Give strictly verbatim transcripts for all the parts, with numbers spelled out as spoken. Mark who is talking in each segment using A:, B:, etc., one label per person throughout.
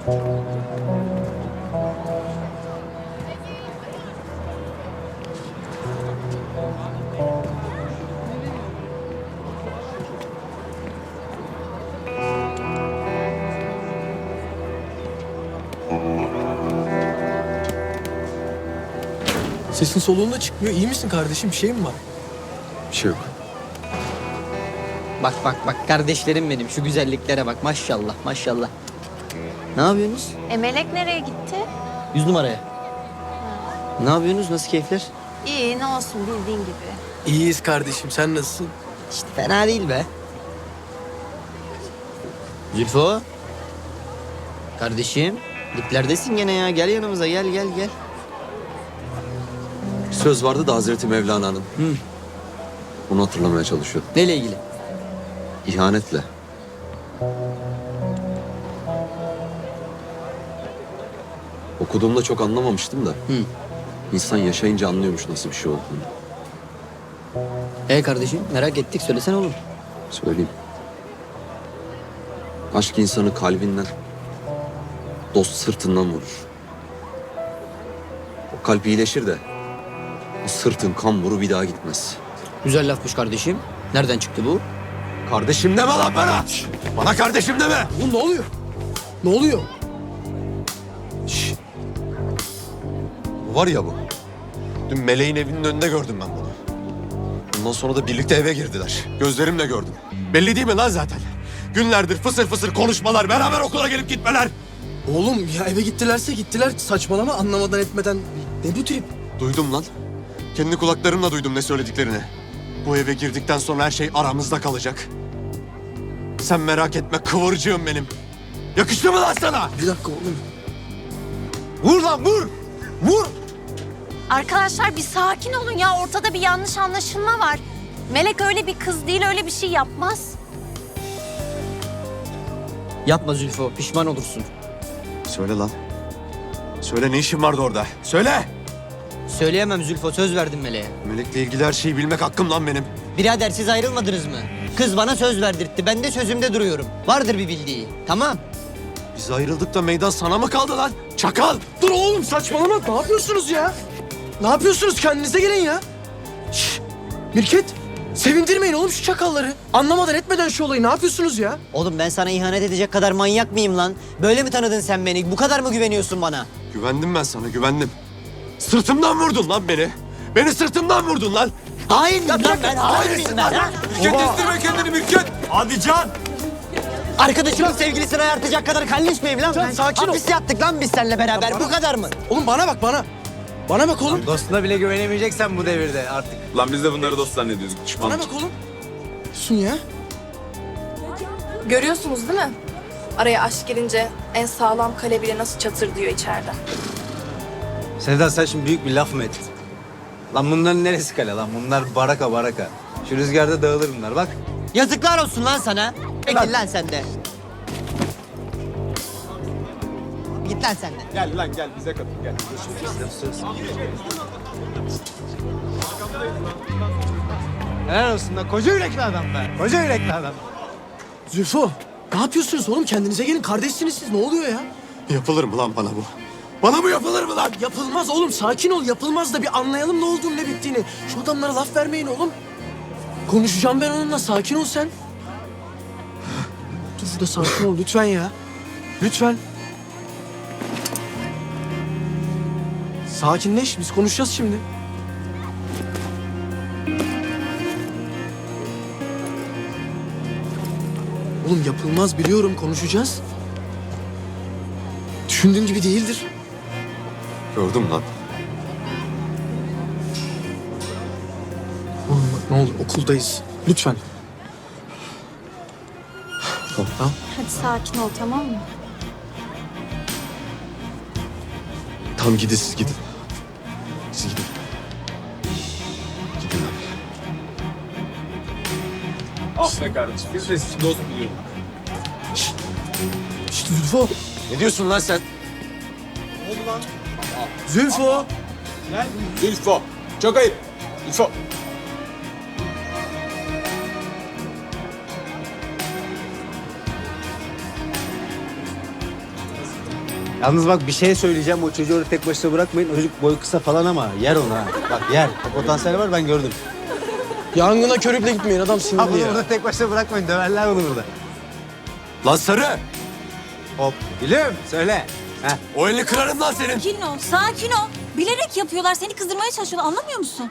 A: Sesin soluğun da çıkmıyor. İyi misin kardeşim? Bir şey mi var?
B: Bir şey yok.
C: Bak bak bak kardeşlerim benim, şu güzelliklere bak, maşallah maşallah. Ne yapıyorsunuz?
D: E Melek nereye gitti?
C: Yüz numaraya. Ne yapıyorsunuz? Nasıl keyifler?
D: İyi, ne olsun bildiğin gibi.
A: İyiyiz kardeşim. Sen nasılsın?
C: İşte fena değil be. Zülfo. Kardeşim. Diplerdesin gene ya. Gel yanımıza, gel gel gel.
B: Söz vardı da Hazreti Mevlana'nın.
C: Hı.
B: Onu hatırlamaya çalışıyordum.
C: Neyle ilgili?
B: İhanetle. Okuduğumda çok anlamamıştım da.
C: Hı.
B: İnsan yaşayınca anlıyormuş nasıl bir şey olduğunu.
C: E kardeşim, merak ettik, söylesene oğlum.
B: Söyleyeyim. Aşk insanı kalbinden, dost sırtından vurur. O kalp iyileşir de o sırtın kamburu bir daha gitmez.
C: Güzel lafmış kardeşim. Nereden çıktı bu?
B: Kardeşim deme lan bana! Bana kardeşim deme!
A: Oğlum ne oluyor? Ne oluyor?
B: Şşş! Bu var ya bu. Dün Meleğin evinin önünde gördüm ben bunu. Ondan sonra da birlikte eve girdiler. Gözlerimle gördüm. Belli değil mi lan zaten? Günlerdir fısır fısır konuşmalar, beraber okula gelip gitmeler.
A: Oğlum ya eve gittilerse gittiler. Saçmalama anlamadan etmeden. Ne bu trip?
B: Duydum lan. Kendi kulaklarımla duydum ne söylediklerini. Bu eve girdikten sonra her şey aramızda kalacak. Sen merak etme kıvırcığım benim. Yakıştı mı lan sana?
A: Bir dakika oğlum.
B: Vur lan vur! Vur!
D: Arkadaşlar bir sakin olun ya. Ortada bir yanlış anlaşılma var. Melek öyle bir kız değil, öyle bir şey yapmaz.
C: Yapma Zülfo, pişman olursun.
B: Söyle lan. Söyle ne işin vardı orada? Söyle!
C: Söyleyemem Zülfo, söz verdim Meleğe.
B: Melek'le ilgili her şeyi bilmek hakkım lan benim.
C: Birader siz ayrılmadınız mı? Kız bana söz verdirtti, ben de sözümde duruyorum. Vardır bir bildiği, tamam.
B: Biz ayrıldık da meydan sana mı kaldı lan? Çakal!
A: Dur oğlum saçmalama. Ne yapıyorsunuz ya? Ne yapıyorsunuz? Kendinize gelin ya. Şşş. Mirket. Sevindirmeyin oğlum şu çakalları. Anlamadan etmeden şu olayı ne yapıyorsunuz ya?
C: Oğlum ben sana ihanet edecek kadar manyak mıyım lan? Böyle mi tanıdın sen beni? Bu kadar mı güveniyorsun bana?
B: Güvendim ben sana güvendim. Sırtımdan vurdun lan beni. Beni sırtımdan vurdun lan.
C: Hain miyim lan ben? Hain miyim ben ha?
B: Mirket istirme kendini Mirket. Hadi Can.
C: Arkadaşımın sevgilisini ayartacak kadar kalleş miyim lan?
A: Can,
C: ben?
A: sakin ol.
C: Hapis yattık lan biz seninle beraber. Bu kadar mı?
A: Oğlum bana bak bana. Bana bak oğlum.
E: Dostuna bile güvenemeyeceksen bu devirde artık.
F: Lan biz de bunları dost zannediyorduk. Düşman.
A: Bana bak oğlum. Sun ya.
G: Görüyorsunuz değil mi? Araya aşk girince en sağlam kale bile nasıl çatır diyor içeride.
E: Sevda sen şimdi büyük bir laf mı ettin? Lan bunların neresi kale lan? Bunlar baraka baraka. Şu rüzgarda dağılır bunlar bak.
C: Yazıklar olsun lan sana. Peki lan sen de. Git lan sen de.
F: Gel lan gel bize katıl gel.
E: Helal olsun lan koca yürekli adam be. Koca yürekli adam.
A: Zülfo. Ne yapıyorsunuz oğlum? Kendinize gelin. Kardeşsiniz siz. Ne oluyor ya?
B: Yapılır mı lan bana bu? Bana bu yapılır mı lan?
A: Yapılmaz oğlum. Sakin ol. Yapılmaz da bir anlayalım ne olduğunu ne bittiğini. Şu adamlara laf vermeyin oğlum. Konuşacağım ben onunla. Sakin ol sen. Dur şurada sakin ol lütfen ya. Lütfen. Sakinleş. Biz konuşacağız şimdi. Oğlum yapılmaz biliyorum. Konuşacağız. Düşündüğün gibi değildir.
B: Gördüm lan.
A: Oğlum bak ne olur okuldayız. Lütfen. Tamam.
D: Hadi sakin ol, tamam mı?
B: Tamam gidin siz gidin. Siz gidin. Gidin abi.
F: Ah be kardeşim biz de sizi dost biliyorduk.
A: Şşt Zülfo.
B: Ne diyorsun lan sen?
A: Zülfo.
F: Zülfo. Çok ayıp. Zülfo.
E: Yalnız bak bir şey söyleyeceğim. O çocuğu orada tek başına bırakmayın. O çocuk boyu kısa falan ama yer onu ha. Bak yer. O potansiyel var, ben gördüm.
A: Yangına körükle gitmeyin, adam
E: Ha
A: sinirli
E: bunu
A: ya.
E: burada tek başına bırakmayın. Döverler bunu burada.
B: Lan Sarı!
E: Hop. Gülüm söyle. Heh.
B: O elini kırarım lan senin.
H: Sakin ol, sakin ol. Bilerek yapıyorlar, seni kızdırmaya çalışıyorlar. Anlamıyor musun?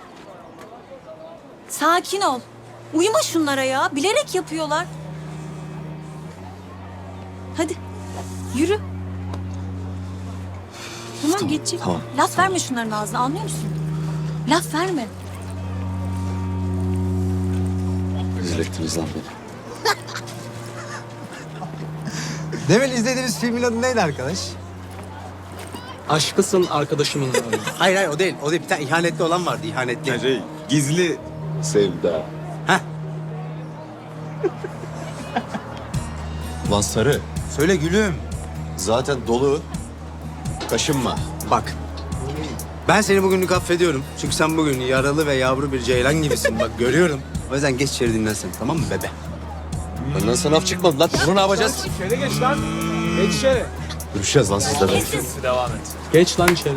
H: Sakin ol. Uyuma şunlara ya. Bilerek yapıyorlar. Hadi, yürü. Tamam,
B: Tamam,
H: geçecek.
B: tamam,
H: Laf verme şunların ağzına, anlıyor musun? Laf verme.
B: Rezil ettiniz lan beni.
E: Demin izlediğiniz filmin adı neydi arkadaş?
A: Aşkısın arkadaşımın abi.
E: Hayır hayır o değil. O değil. Bir tane ihanetli olan vardı. İhanetli.
F: Şey, gizli sevda.
E: Heh.
B: Lan Sarı,
E: Söyle gülüm.
B: zaten dolu. Kaşınma.
E: Bak. Ben seni bugünlük affediyorum. Çünkü sen bugün yaralı ve yavru bir ceylan gibisin. Bak görüyorum. O yüzden geç içeri dinlensin. Tamam mı bebe?
B: Benden sana af çıkmadı lan. Bunu ne yapacağız?
F: İçeri geç lan. Geç içeri.
B: Görüşeceğiz lan sizle.
F: Devam et.
A: Geç lan içeri.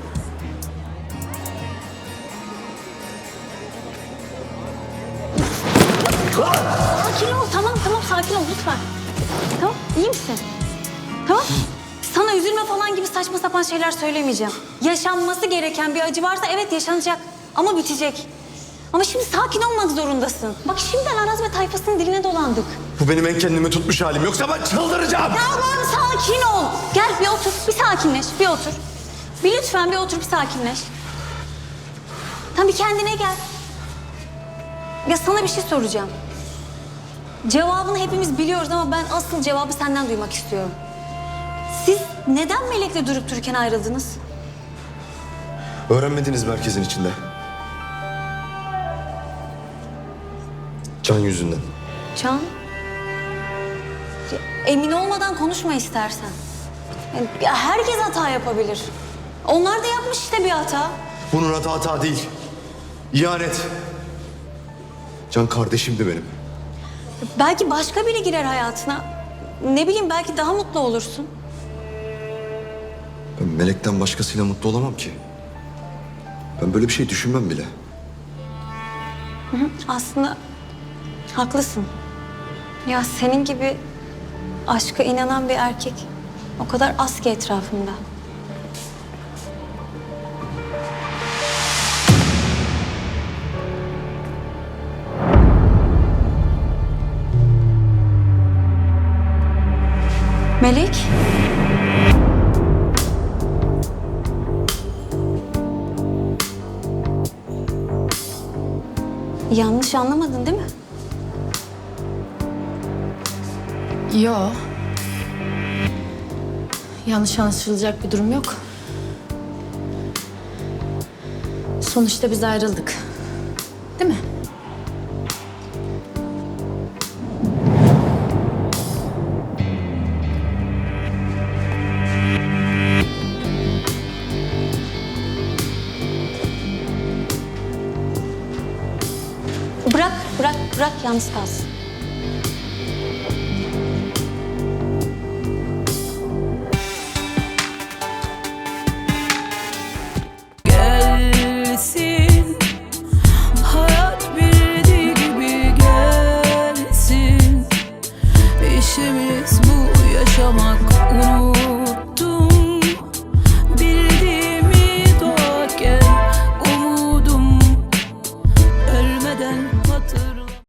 H: Sakin ol, tamam tamam sakin ol lütfen. Tamam, iyi misin? Tamam. Sana üzülme falan gibi saçma sapan şeyler söylemeyeceğim. Yaşanması gereken bir acı varsa evet yaşanacak ama bitecek. Ama şimdi sakin olmak zorundasın. Bak şimdiden Aras ve tayfasının diline dolandık.
B: Bu benim en kendimi tutmuş halim. Yoksa ben çıldıracağım.
H: Tamam sakin ol. Gel bir otur, bir sakinleş, bir otur. Bir lütfen bir otur, bir sakinleş. Tamam bir kendine gel. Ya sana bir şey soracağım. Cevabını hepimiz biliyoruz ama ben asıl cevabı senden duymak istiyorum. Siz neden Melek'le durup dururken ayrıldınız?
B: Öğrenmediniz merkezin içinde. Can yüzünden.
H: Can? Ya, emin olmadan konuşma istersen. Yani, ya herkes hata yapabilir. Onlar da yapmış işte bir hata.
B: Bunun adı hata değil. İhanet. Can kardeşimdi benim.
H: Belki başka biri girer hayatına. Ne bileyim belki daha mutlu olursun.
B: Ben Melek'ten başkasıyla mutlu olamam ki. Ben böyle bir şey düşünmem bile.
H: Aslında haklısın. Ya senin gibi aşka inanan bir erkek o kadar az ki etrafımda. Melek? Yanlış anlamadın değil mi?
I: Yo. Yanlış anlaşılacak bir durum yok. Sonuçta biz ayrıldık. Değil mi?
H: Bırak, bırak, bırak yalnız kalsın.